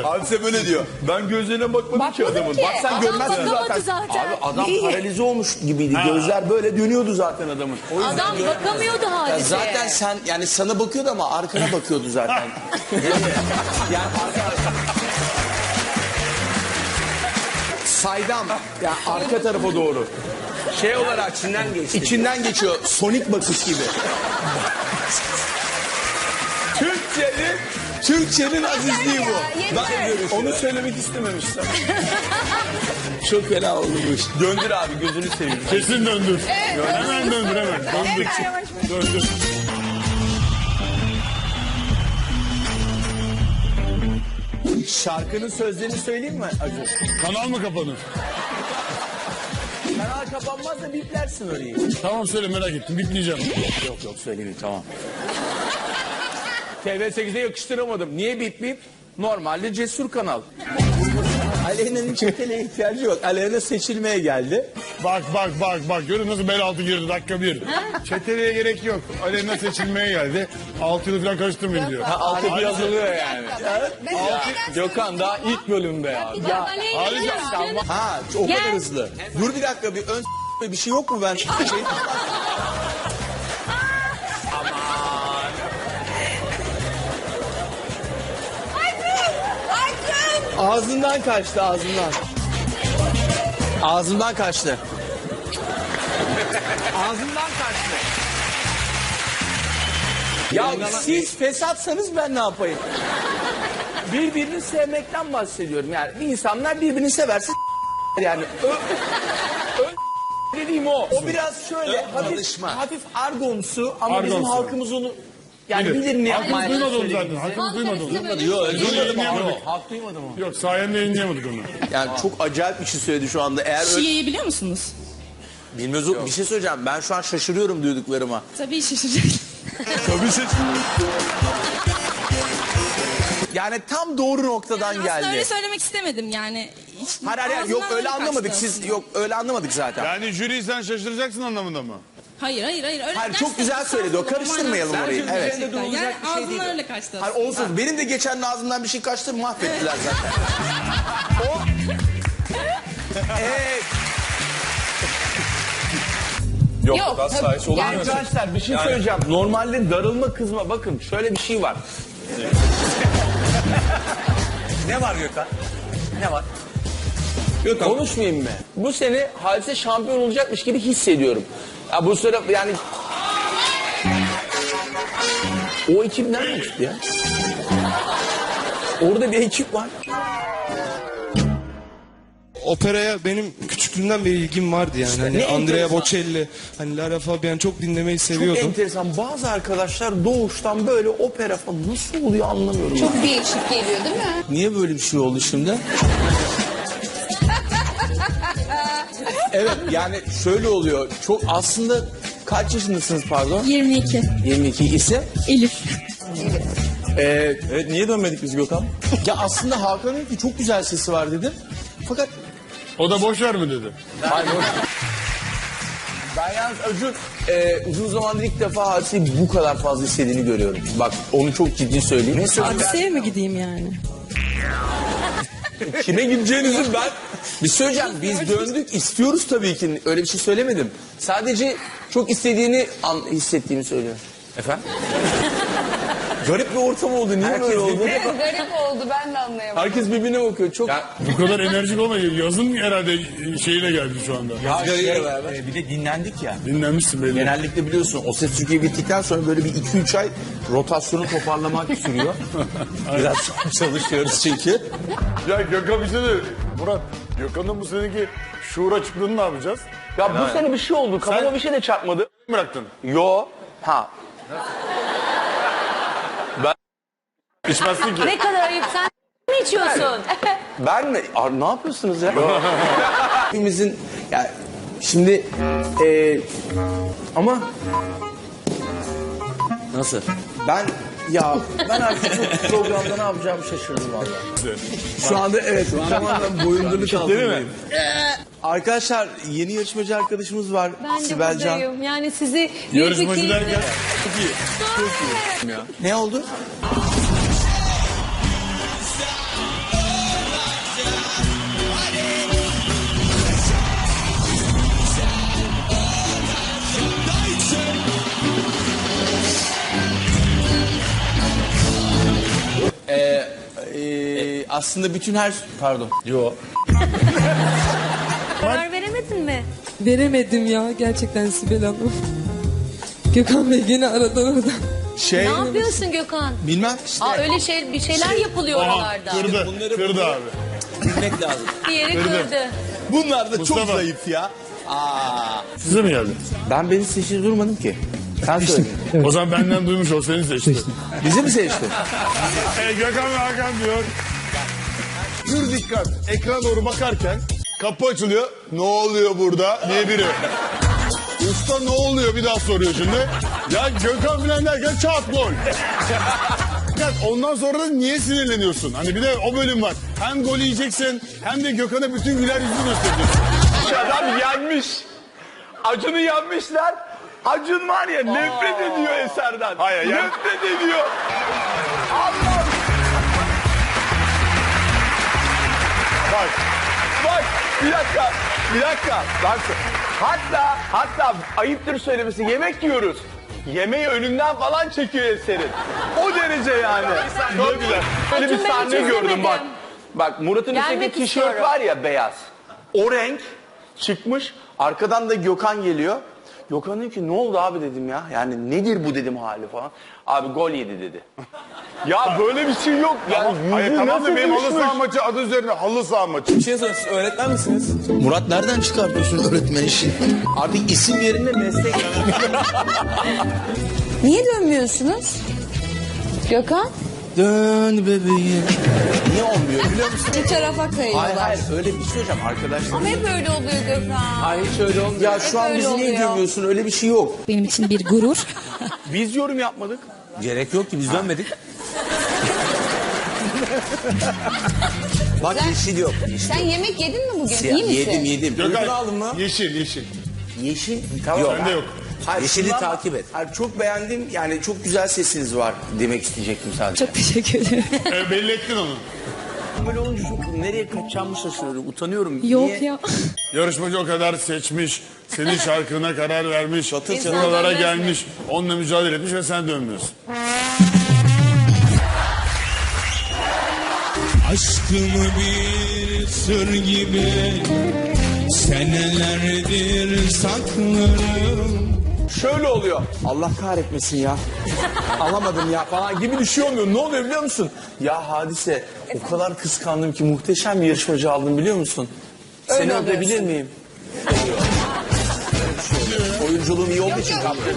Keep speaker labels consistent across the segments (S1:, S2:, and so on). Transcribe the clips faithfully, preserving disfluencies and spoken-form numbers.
S1: Hadise böyle diyor. Ben gözlerine bakmadım,
S2: Bakmadım
S1: ki adamın.
S2: ki.
S1: Bak sen
S2: Adam
S1: görmezsin
S2: bakamadı
S1: zaten.
S2: zaten.
S1: Abi adam
S2: İyi.
S1: paralize olmuş gibiydi. Gözler böyle dönüyordu zaten adamın. O yüzden
S2: Adam
S1: göremez.
S2: bakamıyordu
S3: Ya
S2: Hadise.
S3: zaten sen yani sana bakıyordu ama arkana bakıyordu zaten. yani arka...
S1: Saydam. Ya arka tarafa doğru.
S3: Şey olarak içinden geçti.
S1: İçinden geçiyor. Sonik bakış gibi. Türkçenin Türkçenin azizliği bu.
S2: Ya, yeter.
S1: Ben onu söylemek istememiştim. Çok fena olmuş. Döndür abi, gözünü seveyim.
S4: Kesin döndür. Hemen döndür hemen. Döndür. Döndür.
S1: Şarkının sözlerini söyleyeyim mi Acun?
S4: Kanal mı kapanır?
S1: Kanal kapanmaz da biplersin orayı.
S4: Tamam söyle, merak ettim. Bitleyeceğim.
S1: Yok yok söylemeyeyim, tamam. T V sekizde yakıştıramadım. Niye bip bip? Normalde cesur kanal. Aleyna'nın çeteliğe ihtiyacı yok. Aleyna seçilmeye geldi.
S4: Bak bak bak bak. Görün nasıl bel altı girdi dakika bir. Çeteliğe gerek yok. Aleyna seçilmeye geldi. Altı yılı falan karıştırmayın diyor.
S1: Ha, altı bir yazılıyor yani.
S2: Ben
S1: Altı, Gökhan daha ilk bölümde ya.
S2: Ya,
S1: Ha o
S2: Gel.
S1: kadar hızlı. Dur bir dakika, bir ön bir şey yok mu ben? Şey... Ağzından kaçtı, ağzından. Ağzından kaçtı. Ağzından kaçtı. Ya siz fesatsanız ben ne yapayım? Birbirini sevmekten bahsediyorum. Yani bir insanlar birbirini severse yani ö, ö, dediğim o. O biraz şöyle hafif, hafif argomsu ama bizim
S4: Argomsu.
S1: halkımız onu yani
S4: Bilir.
S1: bilir ne
S4: Hakkımız
S1: yapmaya
S4: duymadı onu
S1: söylediğini.
S4: zaten. Hakkımız duymadı onu.
S1: Yok,
S4: Duymadı,
S1: duymadım ama.
S4: yayınlayamadık.
S1: Halk duymadı mı?
S4: Yok, sayende yayınlayamadık onu.
S1: Yani çok acayip bir şey söyledi şu anda. Eğer öyle...
S5: Şiye'yi biliyor musunuz?
S1: Bilmiyoruz. Bir şey söyleyeceğim. Ben şu an şaşırıyorum duyduklarıma.
S5: Tabii şaşıracaksın.
S1: Tabii şaşırıyorum. Yani tam doğru noktadan
S5: Aslında
S1: geldi.
S5: öyle söylemek istemedim yani. Hiç-
S1: Hayır hayır hayır. yok
S5: ağzımdan
S1: öyle
S5: kaçtı
S1: anlamadık. Siz
S5: aslında.
S1: yok öyle anlamadık zaten.
S4: Yani jüri sen şaşıracaksın anlamında mı?
S5: Hayır hayır hayır. Öyle
S1: Hayır, çok
S5: gerçekten
S1: güzel söyledi o.
S5: estağfurullah,
S1: Karıştırmayalım
S5: manasız.
S1: orayı. Evet.
S5: Gerçekten. Yani ağzımdan öyle kaçtı.
S1: Hayır olsun. Benim de geçen ağzımdan bir şey kaçtı, mahvettiler zaten. o... Evet.
S2: Yok, tabii, yani-
S1: Arkadaşlar bir şey söyleyeceğim. Normalde darılma, kızma. Bakın şöyle bir şey var. Ne var Gökhan? Ne var? Gökhan. Konuşmayayım mı? Bu sene Hadise şampiyon olacakmış gibi hissediyorum. Ya bu sene yani... O ekip nereden çıktı ya? Orada bir ekip var.
S6: Operaya benim küçüklüğümden beri ilgim vardı yani. Hani
S1: ne
S6: Andrea
S1: enteresan.
S6: Bocelli, hani Lara Fabian çok dinlemeyi
S1: Çok
S6: seviyordum.
S1: enteresan. Bazı arkadaşlar doğuştan böyle opera falan nasıl oluyor anlamıyorum.
S2: Çok değişik geliyor değil mi?
S1: Niye böyle bir şey oldu şimdi? Evet yani şöyle oluyor. Çok aslında kaç yaşındasınız pardon?
S5: yirmi iki.
S1: yirmi iki ise.
S5: Elif.
S1: Ee, evet niye dönmedik biz Gökhan? Ya aslında Hakan dedi ki çok güzel sesi var dedi. Fakat
S4: O da boş ver mi dedi.
S1: hayır, boş- ben yalnız Acun e, uzun zamandır ilk defa Hadise'yi bu kadar fazla istediğini görüyorum. Bak onu çok ciddi söyleyeyim. Ne söyleyeyim?
S5: Hadiseye mi gideyim yani?
S1: Kime gideceğinizi ben... Bir söyleyeceğim biz döndük istiyoruz tabii ki öyle bir şey söylemedim. Sadece çok istediğini an, hissettiğimi söylüyorum. Efendim? Garip bir ortam oldu. Niye böyle oldu?
S2: Garip oldu, ben de anlayamadım.
S1: Herkes birbirine bakıyor. Çok...
S4: Bu kadar enerjik olmayın. Yazın herhalde şeyine geldi şu anda.
S1: Ya şey,
S3: e, bir de dinlendik ya.
S4: Dinlenmişsin belli.
S1: genellikle biliyorsun O Ses Türkiye bittikten sonra böyle bir iki üç ay rotasyonu toparlamak sürüyor. Biraz çalışıyoruz çünkü.
S4: Ya Gökhan bir şey de... Murat, Gökhan'ın bu seneki şuur açıklığını ne yapacağız?
S1: Ya bu sene bir şey oldu. Kafama
S4: Sen-
S1: bir şey de çarpmadı.
S4: Bıraktın.
S1: Yo. Ha. Ben
S4: İçmezsin ki.
S2: Ne kadar ayıp, sen mi içiyorsun?
S1: Ben mi? Aa, ne yapıyorsunuz ya? Hepimizin ya şimdi e, ama nasıl? Ben ya ben artık bu programda ne yapacağımı şaşırdım vallahi. Şu anda evet. Şu anda boyundurluk altındayım. Arkadaşlar yeni yarışmacı arkadaşımız var.
S2: Ben de
S1: Sibel Can.
S2: buradayım. Yani sizi büyük bir
S4: Yarışmacı
S2: keyifle...
S4: derken çok iyi. Çok iyi.
S1: Ne oldu?
S3: aslında bütün her... Pardon.
S1: Yo.
S2: Karar veremedin mi?
S5: Veremedim ya gerçekten Sibel Hanım. Gökhan Bey gene aradan oradan.
S3: Şey...
S2: Ne yapıyorsun Gökhan?
S3: Bilmem işte.
S2: Aa öyle şey bir şeyler yapılıyor
S4: Aha,
S2: oralarda.
S4: kırdı.
S3: Bunları
S4: Kırdı
S3: bunu-
S4: abi.
S3: Bilmek lazım.
S2: Bir yeri
S4: Kırdı.
S2: kırdı.
S3: Bunlar da çok
S4: Mustafa.
S3: zayıf ya. Aa.
S4: Size mi geldi?
S1: Ben beni seçir durmadım ki. Sen söyledin.
S4: O zaman benden duymuş ol, seni seçti.
S1: Bizi mi seçtin?
S4: E, Gökhan ve Hakan diyor. Pür dikkat. Ekrana doğru bakarken kapı açılıyor. Ne oluyor burada diye biri. Usta ne oluyor bir daha soruyor şimdi. Ya Gökhan filan derken çat gol. Dikkat, ondan sonra da niye sinirleniyorsun? Hani bir de o bölüm var. Hem gol yiyeceksin hem de Gökhan'a bütün güler yüzünü göstereceksin.
S1: Adam yenmiş. Acun'u yenmişler. Acun var ya nefret ediyor Eser'den.
S4: Hayır, ya.
S1: Nefret ediyor. Allah.
S4: Bak.
S1: Bak bir dakika. Bir dakika. Bak. Hatta hatta ayıptır söylemesi yemek yiyoruz. Yemeği önünden falan çekiyor Eser'in. O derece yani. Çok güzel. Böyle bir
S2: Acun, ben
S1: sahne
S2: hiç
S1: gördüm
S2: izlemedim.
S1: bak. Bak Murat'ın
S2: Gelmek
S1: üstteki tişört
S2: istiyorum.
S1: var ya beyaz. O renk çıkmış. Arkadan da Gökhan geliyor. Gökhan diyor ki ne oldu abi dedim ya. Yani nedir bu dedim hali falan. Abi gol yedi dedi. Ya böyle bir şey yok. Yani
S4: Hayır
S1: yüzü
S4: tamam
S1: nasıl
S4: da benim halı
S1: düşmüş?
S4: saha maçı adı üzerine halı saha maçı.
S3: Bir şey sorayım, siz öğretmen misiniz? Murat nereden çıkartıyorsun öğretmen işini? Artık isim yerine meslek.
S2: Niye dönmüyorsunuz? Gökhan?
S3: Dön bebeğim. Niye olmuyor biliyor musun?
S2: Bir tarafa
S3: Hayır
S2: kayıyorlar.
S3: hayır öyle bir şey hocam arkadaşlar.
S2: Ama hep öyle oluyor Gökhan.
S1: Hayır hiç öyle olmuyor.
S3: Ya şu
S2: Hep
S3: an
S2: öyle
S3: bizi niye
S2: oluyor.
S3: gömüyorsun öyle bir şey yok.
S5: Benim için bir gurur.
S1: Biz yorum yapmadık.
S3: Gerek yok ki biz dönmedik. Bak yeşil yok.
S2: Sen yemek yedin mi bugün?
S3: Siyah.
S2: İyi misin?
S3: Yedim yedim. Ürün
S4: Gökhan
S3: aldın mı?
S4: yeşil yeşil.
S3: Yeşil. Tamam.
S4: Bende yok.
S3: Hayır,
S1: Yeşili
S3: şundan-
S1: takip et.
S3: Hayır, çok beğendim. Yani çok güzel sesiniz var demek isteyecektim sadece.
S5: Çok teşekkür ederim.
S4: E, belli ettin onu.
S1: Böyle olunca çok nereye kaçacağımı şaşırıyorum. Utanıyorum.
S5: Yok
S1: Niye?
S5: ya.
S4: Yarışmacı o kadar seçmiş, senin şarkına karar vermiş,
S3: Çatır çatır.
S4: buralara
S2: dönmez mi?
S4: gelmiş, onunla mücadele etmiş ve sen dönmüyorsun.
S7: Aşkımı bir sır gibi senelerdir saklarım.
S1: Şöyle oluyor. Allah kahretmesin ya. Alamadım ya falan gibi bir şey olmuyor. Ne oluyor biliyor musun? Ya Hadise o kadar kıskandım ki muhteşem bir yarışmacı aldım biliyor musun? Seni
S2: oluyorsun.
S1: öpebilir miyim?
S3: Oyunculuğum iyi olduğu için kaptırdım.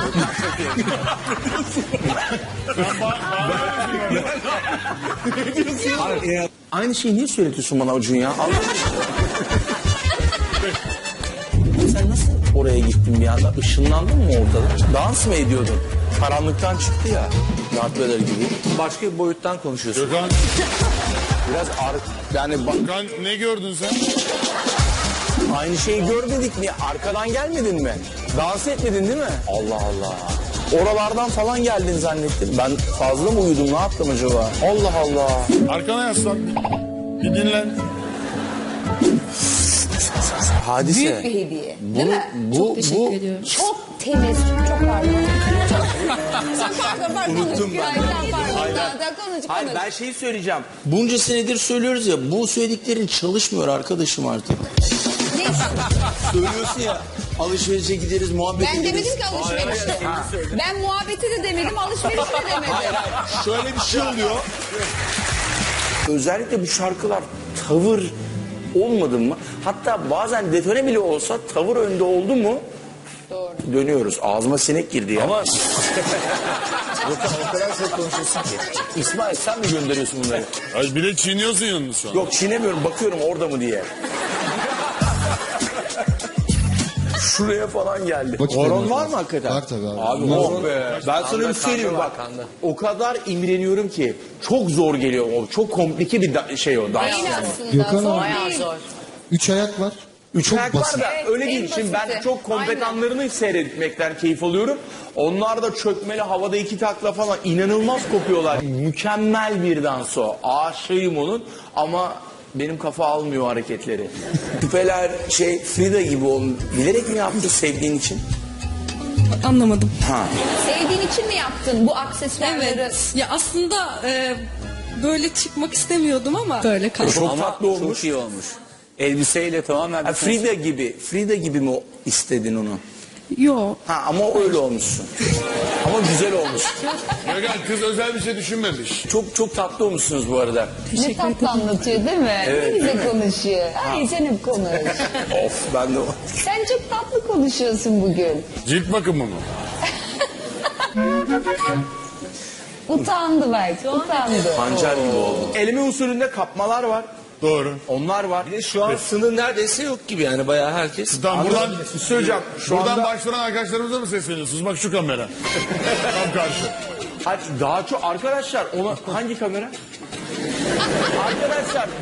S1: Aynı şeyi niye söyletiyorsun bana Acun ya? Allah Sen nasıl oraya gittin bir anda? Işınlandın mı ortada? Dans mı ediyordun? Karanlıktan çıktı ya. Darth Vader gibi. Başka bir boyuttan konuşuyorsun.
S4: Gökhan,
S1: Biraz ar yani bak,
S4: Gökhan ne gördün sen?
S1: aynı şeyi görmedik mi? Arkadan gelmedin mi? Dans etmedin değil mi? Allah Allah. Oralardan falan geldin zannettim. Ben fazla mı uyudum? Ne yaptım acaba? Allah Allah.
S4: Arkana yaslan. Bir dinlen.
S3: Hadise.
S2: Büyük bir hediye.
S3: Bu,
S2: Değil mi?
S3: bu,
S5: Teşekkür
S3: bu,
S5: ediyorum.
S2: Çok temiz. Çok pardon. Sen pardon pardon.
S3: Unuttum ben.
S2: Hayır, sen pardon. Daha, daha konuş
S3: Hayır
S2: konuş.
S3: ben şeyi söyleyeceğim. Bunca senedir söylüyoruz ya bu söylediklerin çalışmıyor arkadaşım artık.
S2: Ne?
S3: Söylüyorsun ya alışverişe gideriz muhabbet
S2: Ben
S3: ederiz.
S2: demedim ki alışverişte. Ben muhabbeti de demedim, alışveriş de demedim.
S3: Şöyle bir şey oluyor. Özellikle bu şarkılar tavır olmadı mı? Hatta bazen detone bile olsa tavır önde oldu mu?
S2: Doğru.
S3: Dönüyoruz. Ağzıma sinek girdi ya.
S1: Ama Yok, o kadar çok konuşuyorsun ki. İsmail sen mi gönderiyorsun bunları?
S4: Ay, bir de çiğniyorsun yalnız şu an.
S3: Yok çiğnemiyorum bakıyorum orada mı diye. Şuraya falan geldi. Horon var mı hakikaten?
S6: Var tabii abi.
S3: Abi oh be. Ben sana bir söyleyeyim bak. O kadar imreniyorum ki çok zor geliyor o. Çok komplike bir da- şey o dans
S2: Değil
S3: yani.
S2: aslında.
S6: Gökhan
S2: zor
S6: abi.
S2: değil. Zor.
S6: Üç ayak var.
S3: Üç
S6: Çok
S3: ayak
S6: basit.
S3: var da
S2: Evet,
S3: öyle
S2: en
S3: değil. Şimdi ben
S2: basiti.
S3: çok kompetanlarını seyretmekten keyif alıyorum. Onlar da çökmeli havada iki takla falan inanılmaz kopuyorlar. Mükemmel bir dans o. Aşığım onun ama benim kafa almıyor o hareketleri. Küpeler şey Frida gibi olun. Bilerek mi yaptı sevdiğin için?
S5: Anlamadım.
S3: Ha.
S2: Sevdiğin için mi yaptın bu aksesuarları?
S5: Evet. Ya aslında e, böyle çıkmak istemiyordum ama böyle kaldı.
S3: Çok
S1: Ama
S3: tatlı olmuş.
S1: Çok iyi olmuş. Elbiseyle tamamen...
S3: Ha, Frida gibi, Frida gibi mi istedin onu?
S5: Yo.
S3: Ha ama öyle olmuşsun. Ama güzel olmuş.
S4: Gökhan kız özel bir şey düşünmemiş.
S3: Çok çok tatlı olmuşsunuz bu arada.
S2: Ne
S5: Teşekkür ederim.
S2: tatlı anlatıyor değil mi? Ne güzel konuşuyor. Ay sen hep konuş.
S3: Of ben de...
S2: Sen çok tatlı konuşuyorsun bugün.
S4: Cilt bakımı mı?
S2: Utandı belki, utandı.
S3: Pancar gibi oldu. Elime usulünde kapmalar var.
S4: Doğru.
S3: Onlar var.
S6: Bir de şu an sınır neredeyse yok gibi yani bayağı herkes.
S4: Tamam buradan,
S3: Söyleyeceğim. Şu
S4: buradan
S3: anda
S4: başvuran arkadaşlarımıza mı sesleniyorsunuz? Bak şu kamera. Tam karşı.
S3: Hayır, daha çok arkadaşlar ona hangi kamera? Arkadaşlar